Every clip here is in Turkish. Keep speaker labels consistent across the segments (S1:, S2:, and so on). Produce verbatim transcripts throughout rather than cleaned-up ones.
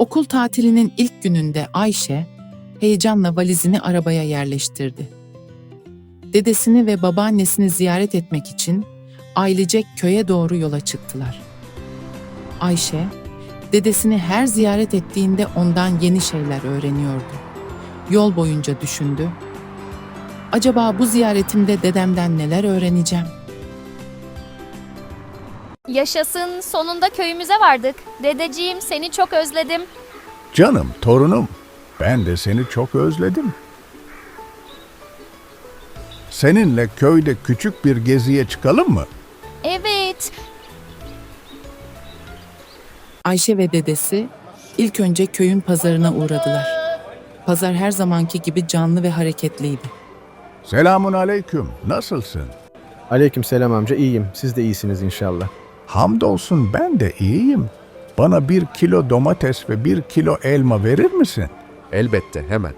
S1: Okul tatilinin ilk gününde Ayşe, heyecanla valizini arabaya yerleştirdi. Dedesini ve babaannesini ziyaret etmek için ailecek köye doğru yola çıktılar. Ayşe, dedesini her ziyaret ettiğinde ondan yeni şeyler öğreniyordu. Yol boyunca düşündü. Acaba bu ziyaretimde dedemden neler öğreneceğim?
S2: Yaşasın, sonunda köyümüze vardık. Dedeciğim, seni çok özledim.
S3: Canım, torunum, ben de seni çok özledim. Seninle köyde küçük bir geziye çıkalım mı?
S2: Evet,
S1: Ayşe ve dedesi ilk önce köyün pazarına uğradılar. Pazar her zamanki gibi canlı ve hareketliydi.
S3: Selamun aleyküm, nasılsın?
S4: Aleykümselam amca, iyiyim. Siz de iyisiniz inşallah.
S3: Hamdolsun ben de iyiyim. Bana bir kilo domates ve bir kilo elma verir misin?
S5: Elbette, hemen.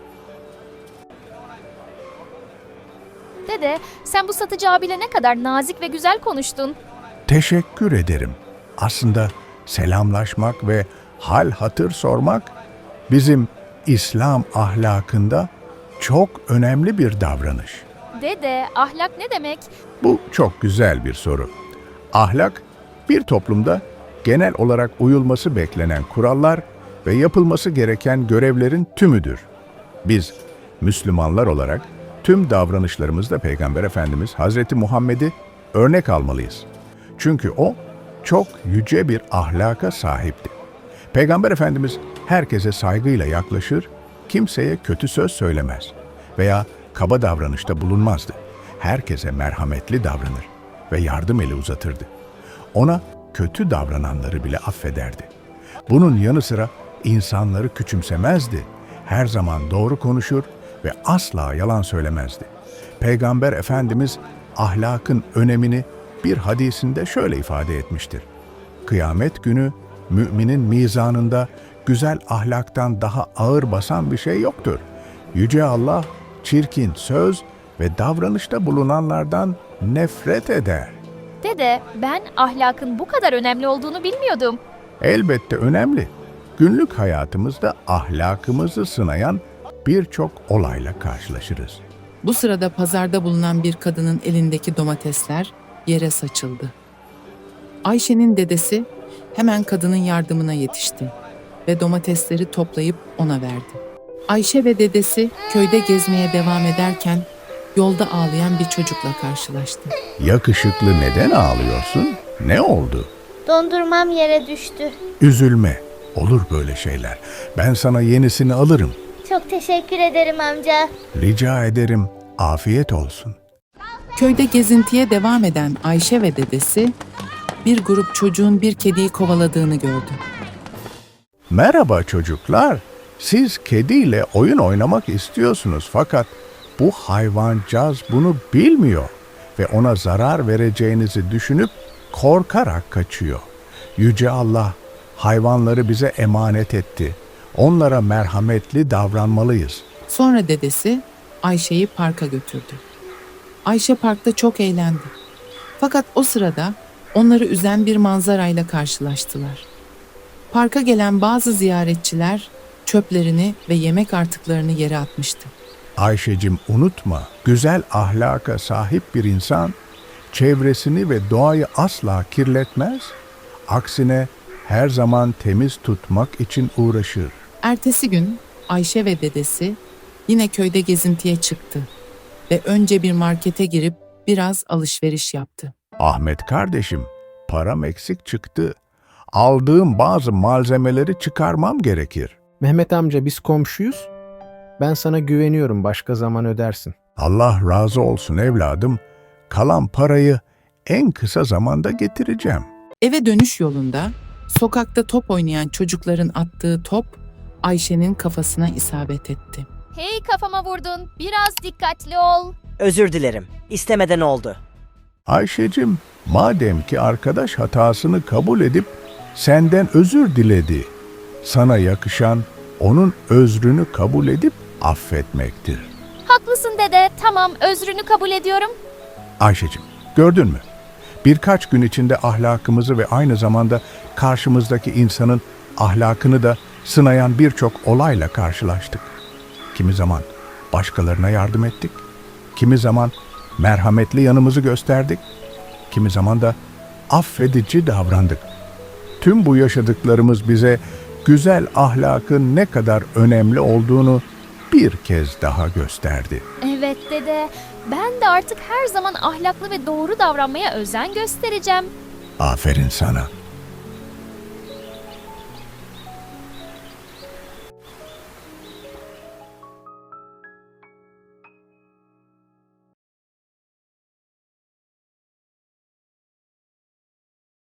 S2: dede, sen bu satıcı abiyle ne kadar nazik ve güzel konuştun.
S3: Teşekkür ederim. Aslında selamlaşmak ve hal hatır sormak bizim İslam ahlakında çok önemli bir davranış.
S2: Dede, ahlak ne demek?
S3: Bu çok güzel bir soru. Ahlak, bir toplumda genel olarak uyulması beklenen kurallar ve yapılması gereken görevlerin tümüdür. Biz Müslümanlar olarak tüm davranışlarımızda Peygamber Efendimiz Hazreti Muhammed'i örnek almalıyız. Çünkü o çok yüce bir ahlaka sahipti. Peygamber Efendimiz herkese saygıyla yaklaşır, kimseye kötü söz söylemez veya kaba davranışta bulunmazdı. Herkese merhametli davranır ve yardım eli uzatırdı. Ona kötü davrananları bile affederdi. Bunun yanı sıra insanları küçümsemezdi. Her zaman doğru konuşur ve asla yalan söylemezdi. Peygamber Efendimiz ahlakın önemini bir hadisinde şöyle ifade etmiştir. Kıyamet günü müminin mizanında güzel ahlaktan daha ağır basan bir şey yoktur. Yüce Allah çirkin söz ve davranışta bulunanlardan nefret eder.
S2: Dede, ben ahlakın bu kadar önemli olduğunu bilmiyordum.
S3: Elbette önemli. Günlük hayatımızda ahlakımızı sınayan birçok olayla karşılaşırız.
S1: Bu sırada pazarda bulunan bir kadının elindeki domatesler yere saçıldı. Ayşe'nin dedesi hemen kadının yardımına yetişti ve domatesleri toplayıp ona verdi. Ayşe ve dedesi köyde gezmeye devam ederken yolda ağlayan bir çocukla karşılaştı.
S3: Yakışıklı, neden ağlıyorsun? Ne oldu?
S6: Dondurmam yere düştü.
S3: Üzülme. Olur böyle şeyler. Ben sana yenisini alırım.
S6: Çok teşekkür ederim amca.
S3: Rica ederim. Afiyet olsun.
S1: Köyde gezintiye devam eden Ayşe ve dedesi bir grup çocuğun bir kediyi kovaladığını gördü.
S3: Merhaba çocuklar. Siz kediyle oyun oynamak istiyorsunuz fakat bu hayvancağız bunu bilmiyor ve ona zarar vereceğinizi düşünüp korkarak kaçıyor. Yüce Allah hayvanları bize emanet etti. Onlara merhametli davranmalıyız.
S1: Sonra dedesi Ayşe'yi parka götürdü. Ayşe parkta çok eğlendi. Fakat o sırada onları üzen bir manzarayla karşılaştılar. Parka gelen bazı ziyaretçiler çöplerini ve yemek artıklarını yere atmıştı.
S3: Ayşecim, unutma, güzel ahlaka sahip bir insan çevresini ve doğayı asla kirletmez. Aksine her zaman temiz tutmak için uğraşır.
S1: Ertesi gün Ayşe ve dedesi yine köyde gezintiye çıktı ve önce bir markete girip biraz alışveriş yaptı.
S3: Ahmet kardeşim, param eksik çıktı. Aldığım bazı malzemeleri çıkarmam gerekir.
S4: Mehmet amca, biz komşuyuz. Ben sana güveniyorum, başka zaman ödersin.
S3: Allah razı olsun evladım. Kalan parayı en kısa zamanda getireceğim.
S1: Eve dönüş yolunda sokakta top oynayan çocukların attığı top Ayşe'nin kafasına isabet etti.
S2: Hey, kafama vurdun. Biraz dikkatli ol.
S7: Özür dilerim. İstemeden oldu.
S3: Ayşecim, madem ki arkadaş hatasını kabul edip senden özür diledi, sana yakışan onun özrünü kabul edip affetmektir.
S2: Haklısın dede. Tamam, özrünü kabul ediyorum.
S3: Ayşecim, gördün mü? Birkaç gün içinde ahlakımızı ve aynı zamanda karşımızdaki insanın ahlakını da sınayan birçok olayla karşılaştık. Kimi zaman başkalarına yardım ettik, kimi zaman merhametli yanımızı gösterdik, kimi zaman da affedici davrandık. Tüm bu yaşadıklarımız bize güzel ahlakın ne kadar önemli olduğunu bir kez daha gösterdi.
S2: Evet dede, ben de artık her zaman ahlaklı ve doğru davranmaya özen göstereceğim.
S3: Aferin sana.